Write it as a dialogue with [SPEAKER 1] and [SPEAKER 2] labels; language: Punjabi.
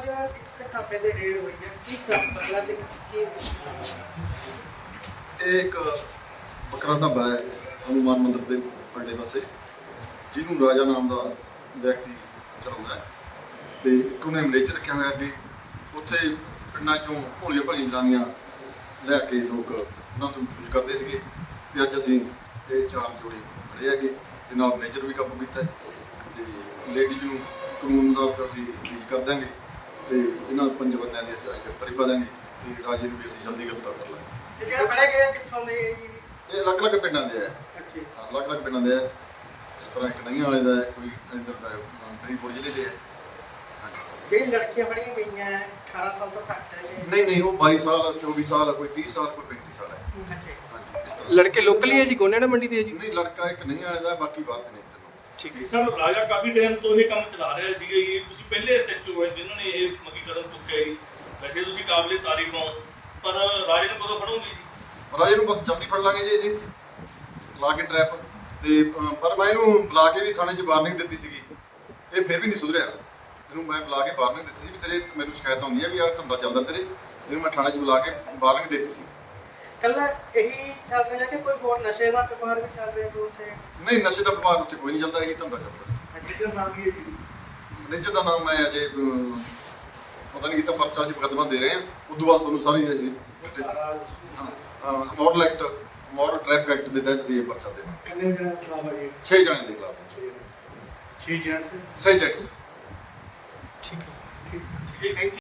[SPEAKER 1] ਅੱਜ ਇੱਕ ਢਾਬੇ ਦੇ ਰੇਡ ਹੋਈ ਹੈ, ਕੀ ਮਸਲਾ ਤੇ ਕੀ
[SPEAKER 2] ਇਹ ਇੱਕ ਬੱਕਰਾ ਢਾਬਾ ਹੈ ਹਨੂੰਮਾਨ ਮੰਦਿਰ ਦੇ ਪਰਲੇ ਪਾਸੇ, ਜਿਹਨੂੰ ਰਾਜਾ ਨਾਮ ਦਾ ਵਿਅਕਤੀ ਚਲਾਉਂਦਾ ਹੈ ਤੇ ਇੱਕ ਉਹਨੇ ਮੈਨੇਜਰ ਰੱਖਿਆ ਹੋਇਆ ਅੱਗੇ। ਉੱਥੇ ਪਿੰਡਾਂ ਚੋਂ ਭੋਲੀਆਂ ਭਾਲੀਆਂ ਜਨਾਨੀਆਂ ਲੈ ਕੇ ਲੋਕ ਉਹਨਾਂ ਤੋਂ ਯੂਜ਼ ਕਰਦੇ ਸੀਗੇ ਤੇ ਅੱਜ ਅਸੀਂ ਇਹ 4 ਜੋੜੇ ਫੜੇ ਹੈਗੇ ਤੇ ਨਾਲ ਮੈਨੇਜਰ ਵੀ ਕਾਬੂ ਕੀਤਾ ਤੇ ਲੇਡੀਜ਼ ਨੂੰ ਕਾਨੂੰਨ ਮੁਤਾਬਕ ਅਸੀਂ ਰਿਲੀਜ਼ ਕਰ ਦਾਂਗੇ ਤੇ ਇਹਨਾਂ 5 ਬੰਦਿਆਂ ਦੀ ਅਸੀਂ ਗ੍ਰਿਫਤਾਰੀ ਪਾ ਦਾਂਗੇ ਤੇ ਰਾਜੇ ਨੂੰ ਵੀ ਅਸੀਂ ਜਲਦੀ ਗ੍ਰਿਫਤਾਰ ਕਰ ਲਾਂਗੇ।
[SPEAKER 1] ਤੇ ਜਿਹੜਾ ਫੜਿਆ ਗਿਆ ਕਿੱਥੋਂ ਦੇ ਜੀ?
[SPEAKER 2] ਇਹ ਅਲੱਗ-ਅਲੱਗ ਪਿੰਡਾਂ ਦੇ ਹੈ।
[SPEAKER 1] ਅੱਛਾ
[SPEAKER 2] ਹਾਂ, ਅਲੱਗ-ਅਲੱਗ ਪਿੰਡਾਂ ਦੇ ਹੈ। ਇਸ ਤਰ੍ਹਾਂ ਇੱਕ ਨਈਆਂ ਵਾਲੇ ਦਾ ਹੈ, ਕੋਈ ਇੱਧਰ ਦਾ ਹੈ, ਫਰੀਦਕੋਟ ਜ਼ਿਲ੍ਹੇ ਦੇ ਹੈ।
[SPEAKER 1] ਜਿਹੜੀ ਲੜਕੀਆਂ ਫੜੀਆਂ ਗਈਆਂ 18 ਸਾਲ ਤੋਂ ਘੱਟ ਹੈ
[SPEAKER 2] ਨਹੀਂ ਉਹ 22 ਸਾਲ 24 ਸਾਲ ਕੋਈ 30 ਸਾਲ ਕੋਈ 35 ਸਾਲ ਹੈ।
[SPEAKER 1] ਅੱਛਾ
[SPEAKER 2] ਹਾਂਜੀ ਇਸ ਤਰ੍ਹਾਂ
[SPEAKER 3] ਲੜਕੇ ਲੋਕਲ ਹੀ ਹੈ ਜੀ, ਗੋਨੇੜਾ ਮੰਡੀ ਦੇ ਹੈ ਜੀ?
[SPEAKER 2] ਨਹੀਂ, ਲੜਕਾ ਇੱਕ ਨਈਆਂ ਵਾਲੇ ਦਾ, ਬਾਕੀ ਬਾਹਰ ਦੇ ਨੇ ਤਿੰਨੋਂ।
[SPEAKER 3] ਠੀਕ ਹੈ।
[SPEAKER 4] ਸਰ ਰਾਜਾ ਕਾਫੀ ਟਾਈਮ ਤੋਂ ਇਹ ਕੰਮ ਚਲਾ ਰਿਹਾ ਸੀਗਾ ਜੀ, ਤੁਸੀਂ ਪਹਿਲੇ ਐਸਐਚਓ ਹੈ ਜਿਨ੍ਹਾਂ ਨੇ ਇਹ ਮੱਕੀ ਕਦਮ ਚੁੱਕਿਆ ਜੀ। ਵੈਸੇ ਤੁਸੀਂ ਕਾਬਲੇ ਤਾਰੀਫ ਹੋ, ਪਰ ਰਾਜੇ ਨੂੰ ਕਦੋਂ ਫੜੋਗੇ ਜੀ?
[SPEAKER 2] ਰਾਜੇ ਨੂੰ ਬਸ ਜਲਦੀ ਫੜ ਲਾਂਗੇ ਜੀ ਅਸੀਂ, ਲਾ ਕੇ ਟਰੈਪ ਤੇ ਪਰ ਮੈਂ ਇਹਨੂੰ ਬੁਲਾ ਕੇ ਵੀ ਥਾਣੇ 'ਚ ਵਾਰਨਿੰਗ ਦਿੱਤੀ ਸੀਗੀ, ਇਹ ਫਿਰ ਵੀ ਨਹੀਂ ਸੁਧਰਿਆ। ਇਹਨੂੰ ਮੈਂ ਬੁਲਾ ਕੇ ਵਾਰਨਿੰਗ ਦਿੱਤੀ ਸੀ ਵੀ ਤੇਰੇ ਮੈਨੂੰ ਸ਼ਿਕਾਇਤ ਆਉਂਦੀ ਹੈ ਵੀ ਆਹ ਧੰਦਾ ਚੱਲਦਾ ਤੇਰੇ, ਇਹਨੂੰ ਮੈਂ ਥਾਣੇ 'ਚ ਬੁਲਾ ਕੇ ਵਾਰਨਿੰਗ ਦਿੱਤੀ ਸੀ।
[SPEAKER 1] ਕੱਲਾ ਇਹੀ ਚੱਲ ਰਿਹਾ ਕਿ ਕੋਈ ਹੋਰ ਨਸ਼ੇ ਦਾ ਕਾਰੋਬਾਰ ਵੀ ਚੱਲ ਰਿਹਾ ਕੋਈ ਉੱਥੇ?
[SPEAKER 2] ਨਹੀਂ, ਨਸ਼ੇ ਦਾ ਵਪਾਰ ਉੱਥੇ ਕੋਈ ਨਹੀਂ ਚੱਲਦਾ, ਇਹੀ ਧੰਦਾ ਚੱਲਦਾ ਸੀ।
[SPEAKER 1] ਜਿਹਦਾ ਨਾਮ ਕੀ ਹੈ ਜੀ?
[SPEAKER 2] ਮੈਨੇਜਰ ਦਾ ਨਾਮ ਮੈਂ ਅਜੇ ਪਤਾ ਨਹੀਂ ਕੀਤਾ, ਪਰਚਾ ਅਸੀਂ ਮੁਕੱਦਮਾ ਦੇ ਰਹੇ ਹਾਂ, ਉਦੋਂ ਬਾਅਦ ਤੁਹਾਨੂੰ ਸਾਰੀ ਅਸੀਂ model act model traffic act ਦੇ ਤਹਿਤ ਅਸੀਂ ਇਹ ਪਰਚਾ ਦੇਵਾਂਗੇ।
[SPEAKER 1] ਕਿੰਨੇ ਜਣੇ ਖਿਲਾਫ ਹੈ ਜੀ?
[SPEAKER 2] 6 ਜਣਿਆਂ ਦੇ ਖਿਲਾਫ
[SPEAKER 1] 6 ਜਣੇ
[SPEAKER 2] 6 ਜੈਂਟਸ।
[SPEAKER 3] ਠੀਕ ਹੈ।
[SPEAKER 1] ਠੀਕ ਹੈ।